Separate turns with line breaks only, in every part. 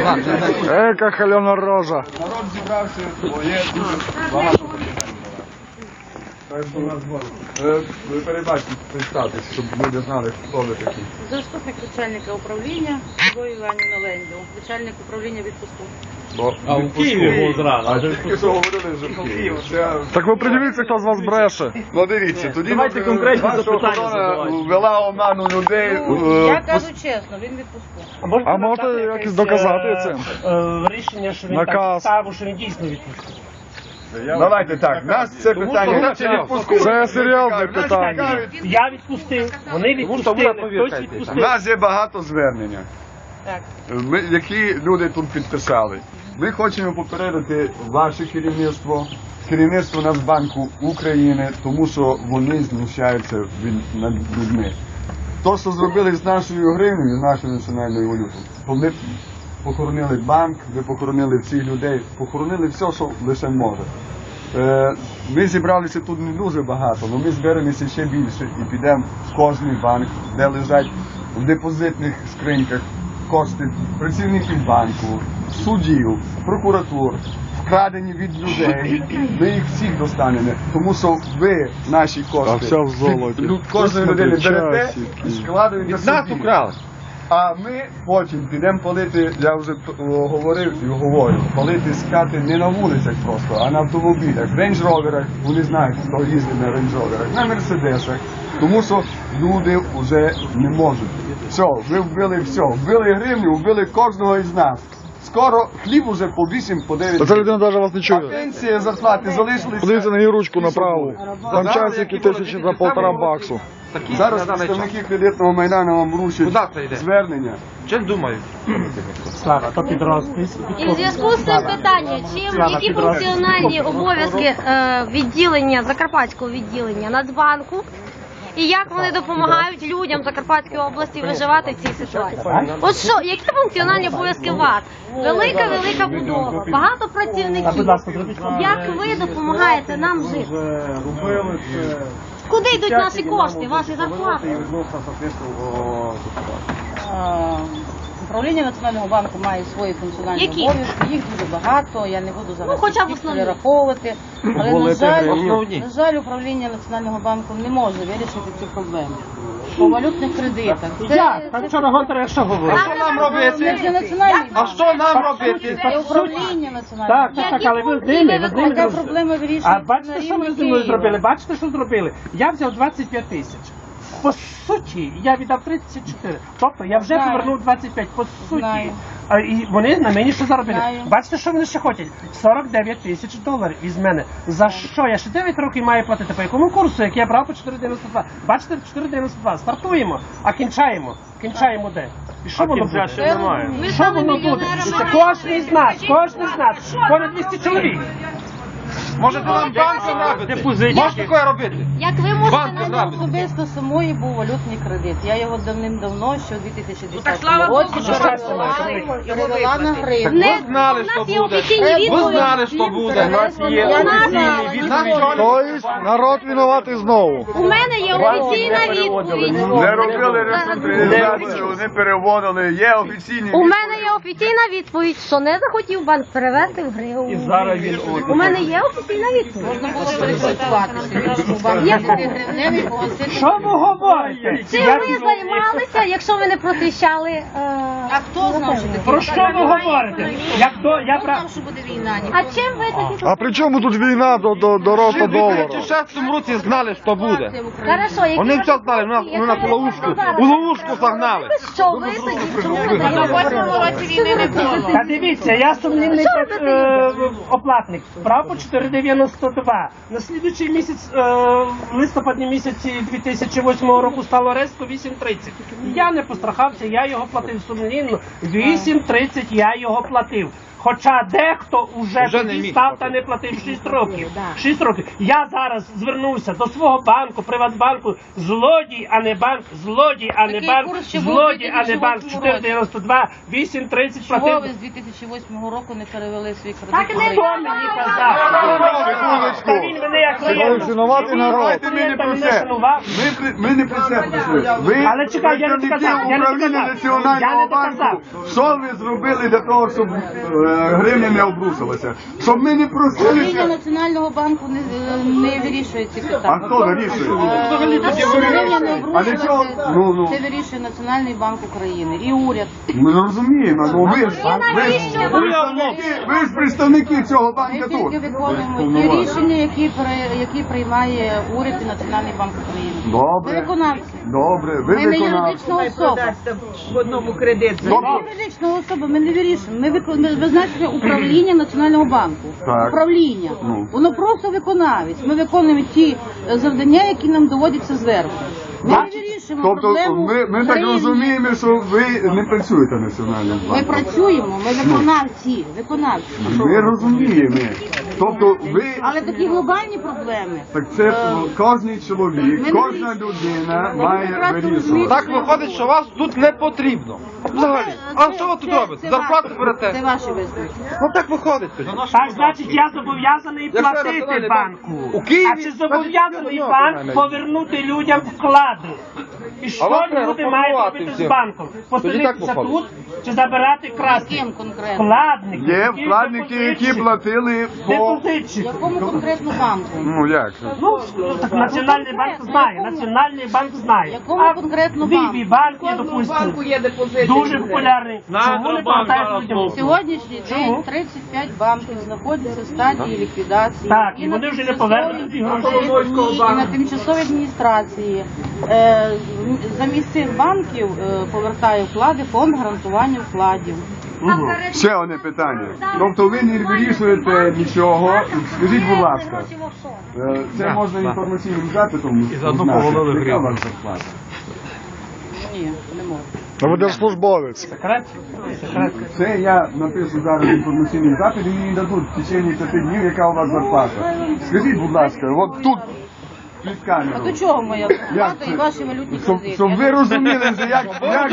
Яка халена рожа.
Народ зібрався, бо є дуже багато питань. Ви перебачте, представтесь, щоб люди знали, хто ви такі.
Заступник начальника управління Любов Іванівна Лендю, начальник управління відпуску.
А в Києві було зразу. А тільки що говорили, що в Києві.
Так ви придивіться, хто з вас бреше.
Ну дивіться, тоді
Давайте конкретні
ваша
запитання
охорона
задавайте.
ввела оману людей.
Я кажу чесно, він відпуску.
А можете якось доказати це?
Рішення, що він
Наказ.
так ставив, що він дійсно відпустив.
Давайте так, нас це питання чи відпуску.
Це серйозне питання.
Я відпустив, вони відпустили, хтось відпустив.
У нас є багато звернення,
Так.
які люди тут підписали. Ми хочемо попередити ваше керівництво, керівництво Нацбанку України, тому що вони знущаються над людьми. То, що зробили з нашою гривнею, з нашою національною валютою, вони похоронили банк, ви похоронили всіх людей, похоронили все, що лише може. Ми зібралися тут не дуже багато, але ми зберемося ще більше і підемо в кожний банк, де лежать в депозитних скриньках кошти працівників банку, суддів, прокуратур, вкрадені від людей. Ми їх всіх достанемо, тому що ви наші кошти
все в золоті.
від кожної людини берете і складуєте собі.
Нас украли.
А ми потім підемо палити, я вже говорив і говорю, палити скати не на вулицях просто, а на автомобілях, в рейндж-роверах, вони знають, хто їздить на рейндж-роверах, на мерседесах, тому що люди вже не можуть. Все, ви вбили все, вбили гривню, вбили кожного із нас. Скоро хліб уже по 8, по 9.
Та ця людина навіть вас не
А
чує.
пенсії, зарплати залишилися.
Подивіться на її ручку направо. Там часики тисячі за 1,5 баксу.
Зараз представники кредитного майдану вам вручать звернення.
Чим думають?
Слава, то під розпис.
І в зв'язку з цим питання, які функціональні обов'язки відділення, Закарпатського відділення Нацбанку, і як вони допомагають людям Закарпатської області виживати в цій ситуації? От що, які функціональні обов'язки у вас? Велика будова, багато працівників. Як ви допомагаєте нам жити? Куди йдуть наші кошти, ваші зарплати?
Управління Національного банку має свої функціональні
Які?
обов'язки, їх дуже багато, я не буду зараз
хоча б
їх
основні.
перераховувати. Але,
Основні.
на жаль, управління Національного банку не може вирішити цю проблему. По валютних кредитах.
Як? Там вчора Гонтар що говорив?
Що нам
Це
робити?
вже Національний
А що нам робити?
Це управління Національного банку.
Так, але ви з ними
Яка
дружите.
проблема
А
вирішується
бачите,
на
що ви
рівні
зі мною
Києва?
зробили? Бачите, що зробили? Я взяв 25 тисяч. По суті, я віддав 34. Тобто я вже
Знаю.
повернув 25. По суті.
Знаю.
І вони на мені що заробили?
Знаю.
Бачите, що вони ще хочуть? 49 тисяч доларів із мене. За що? Я ще 9 років маю платити. По якому курсу, як я брав по 4,92? Бачите, 4,92. Стартуємо, а кінчаємо. Кінчаємо де? І що воно буде?
Ви
Що
стали
воно буде?
мільйонерами.
Кожен з нас, понад 200 чоловік.
Може нам банком робити? Може таке робити?
Як ви можете
Банк
нам
зробити.
Особисто самої був валютний кредит. Я його давним-давно, ще у 2010
слава
році,
Богу, що
перевела на гривню.
Ви знали,
у
що
нас є
буде.
офіційні
Ви
відповіді.
знали, що буде. У нас є
Я
офіційні
знала,
відповіді.
Тобто народ винуватий знову.
У мене є офіційна відповідь.
Не робили реструктуризацію, вони переводили, є офіційні
У мене є офіційна відповідь, що не захотів банк перевести в гривню. У мене є офіційна відповідь.
Можна було перекваліфікуватися. В нашому банку
Яку?
є гривневий погасити.
Що ви говорите?
Чим ви займалися, якщо ви не просвіщали?
А хто знав, що таке?
Про що ви говорите? Як то я
Хто знав, що буде війна?
А чим ви такі?
А при чому тут війна до росту
В
долару?
2006 році знали, що буде.
Хорошо, які
Вони
ви
все знали,
пропозиції?
нас у ловушку загнали.
Що ви тоді слухаєте? На 8-му році війни не було.
Та дивіться, я сумнівний оплатник. Брав по 4,92. На слідуючий місяць, в листопаді місяці 2008 року стало резко 8,30. Я не пострахався, я його платив сумнівно. 8,30 я його платив. Хоча дехто вже
Вже не
тоді
міг
став та
платити.
не платив 6 років. 6 років. Я зараз звернувся до свого банку, Приватбанку, злодій, а не банк, злодій, а не
Такий
банк,
курс ще був у
злодій, а не банк,
2008
492, 830
Чого
платив.
ви з 2008 року не перевели свій
Так
кредит?
не
Хто мені казав?
Секундочку.
Та він мене як
Секундочку.
Шанувати народ.
Давайте ми не про це. Ми не про це прийшли. Ви
Але чекай, я не
представники
доказав, я не
управління
доказав. Я
Національного
не
банку.
доказав.
Що ви зробили для того, щоб гривня не обрусилася? Щоб ми не
Управління
просилися.
Національного банку не вирішує ці питання.
А хто вирішує?
Щоб гривня не
А для чого?
обрушилася, це вирішує Національний банк України і уряд.
Ми розуміємо, ну ви ж представники цього
Ми
банку тут.
тільки виконуємо ті рішення, які приймає уряд і Національний банк України. Ми
Добре,
виконавці.
добре, ви
Ми не
виконавці.
юридична особа.
в одному кредит.
Ми не юридична особа, ми не вирішуємо. Ми визначення управління Національного банку.
Так.
Управління.
Ну.
Воно просто виконавець. Ми виконуємо ті завдання, які нам доводяться зверху. Ми не вирішуємо
Тобто
проблему.
ми так
гривні.
розуміємо, що ви не працюєте в Національному
Ми
банку.
працюємо, ми виконавці.
Ми розуміємо. Тобто ви,
Але такі глобальні проблеми.
так це кожен чоловік,
Ми не
кожна
вирішуємо.
людина
Ми
має
прекрасно
вирішувати.
розуміємо.
Так виходить, що вас тут не потрібно. Взагалі. А що ви тут робите? Зарплату
Це
берете?
ваші висновки.
Ну так виходить тоді.
Так, значить, я зобов'язаний
Якщо
платити
Національний
банку.
банк у Києві,
А чи
значить,
зобов'язаний
нічого
банк
немає.
повернути людям вклади? І що
вас треба
люди мають
реформувати
робити з
всім.
банком?
Тоді
Поселитися
так виходить.
тут чи забирати красти?
Яким конкретно?
Вкладники.
Є
які
вкладники, які
депозитчики.
платили по...
Депозитчики.
Якому конкретно банку?
Ну як же?
Ну, так Національний банк знає, Національний банк знає.
Якому конкретно банку?
Віві банк є, допустимо,
Є депозит.
дуже популярний. Чому не повертають людям?
Сьогоднішній день 35 банків знаходяться в стадії ліквідації.
Так, і
на
вони вже не
тимчасовій
повернуть ці гроші.
адміністрації, І на тимчасовій адміністрації. Замість цих банків повертає вклади фонд гарантування вкладів.
Ще одне питання. Тобто ви не вирішуєте нічого. Скажіть, будь ласка, це можна інформаційним запитом
І заодно
узнати.
повалили
Яка
гривню.
у вас зарплата?
Ні, не можна.
А ви держслужбовець.
Секрет? Секрет.
Це я напишу зараз інформаційний запит і мені дадуть в течение 5 днів, яка у вас зарплата. Скажіть, будь ласка, от тут під
А
камеру.
до чого моя зарплата
це?
і ваші валютні
Щоб
кредити?
ви розуміли, що як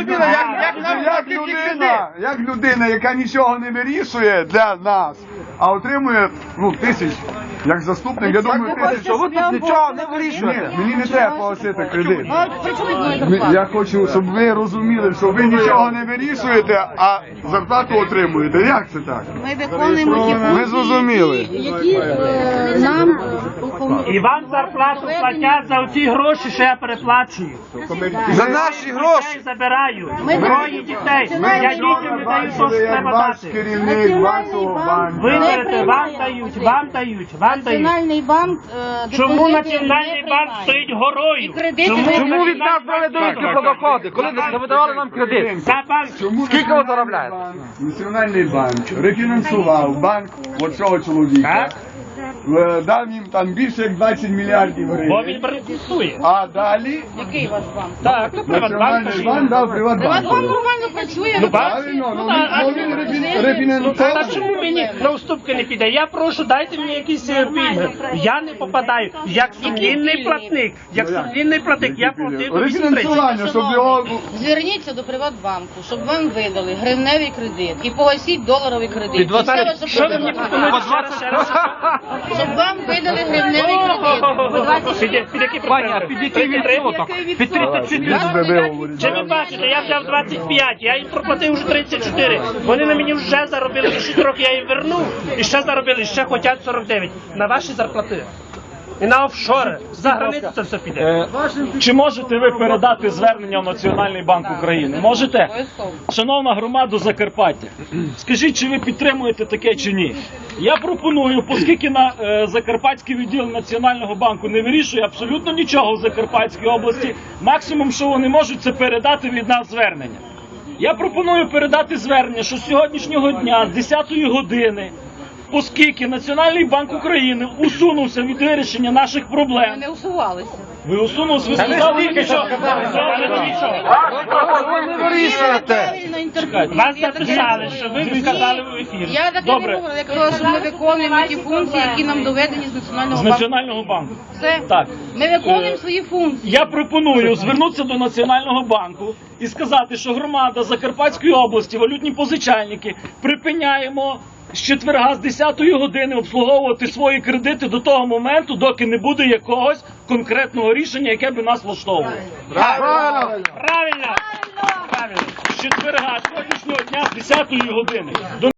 розуміли,
як людина, яка нічого не вирішує для нас, а отримує тисяч, як заступник, я думаю, тисяч.
Що ви тут нічого не вирішуєте?
Ні, мені не треба погасити кредит.
А при чому моя зарплата?
Я хочу, щоб ви розуміли, що ви нічого не вирішуєте, а зарплату отримуєте. Як це так?
Ми виконуємо ті
Ми
функції,
зрозуміли.
які нам
І вам зарплату платять за оці гроші, що я переплачую.
За наші гроші.
Дітей забираю.
Ми
Троє дітей. Я дітям не даю, що
Бачили, як
треба
ваш
дати.
керівник вашого банку.
Ви
Не
берете,
приймає
вам дають,
депозит.
вам дають, вам дають.
Національний банк
Чому
депозити
Національний
не
банк
приймає.
стоїть
І
горою?
кредити
Чому
не
Чому від
приймає.
нас брали довідки про доходи? Коли не видавали нам кредит?
За банк.
Чому
Скільки ви
Національний
заробляєте?
банк, Національний банк рефінансував банк оцього чоловіка, дав їм там більше як 20 мільярдів
Бо
гривень.
він банкрутує.
А далі
Який ваш банк?
Так, ну Приватбанк.
Національний банк дав
Приватбанк
Приватбанку.
нормально працює.
Ну,
Правильно, ну він
Та
рефінансував.
чому мені на уступки не піде? Я прошу, дайте мені якісь пільги. Я не попадаю. Як сумлінний платник, я платив до 8.30.
Рефінансування, щоб його...
Зверніться до Приватбанку, щоб вам видали гривневий кредит і погасіть доларовий кредит. І все ваше
Що ви мені
проблеми.
пропонуєте ще раз?
Щоб вам видали гривневий кредит.
Під які
Пані, а
проценти?
під який відсоток? Під 34.
Чи ви бачите, я взяв 25, я їм проплатив вже 34. Вони на мені вже заробили за 6 років, я їм вернув і ще заробили, ще хочуть 49. На ваші зарплати. І на офшори. За границю це все піде.
Чи можете ви передати звернення в Національний банк України? Можете? Шановна громада Закарпаття, скажіть, чи ви підтримуєте таке чи ні? Я пропоную, оскільки на Закарпатський відділ Національного банку не вирішує абсолютно нічого в Закарпатській області, максимум, що вони можуть, це передати від нас звернення. Я пропоную передати звернення, що з сьогоднішнього дня, з 10-ї години, оскільки Національний банк України усунувся від вирішення наших проблем,
Ми не усувалися.
Ви усунулись, ви сказали, що...
Ви не вирішуєте.
Вас записали, що ви сказали в ефірі.
Я так і
Добре.
не говорю, я кажу, що ми виконуємо ті функції, які нам доведені з
З
Національного банку.
Національного банку.
Все.
Так.
Ми виконуємо свої функції.
Я пропоную звернутися до Національного банку і сказати, що громада Закарпатської області, валютні позичальники, припиняємо з четверга з 10-ї години обслуговувати свої кредити до того моменту, доки не буде якогось конкретного рішення, яке би нас влаштовувало.
Правильно.
Правильно!
З четверга сьогоднішнього дня з 10-ї години.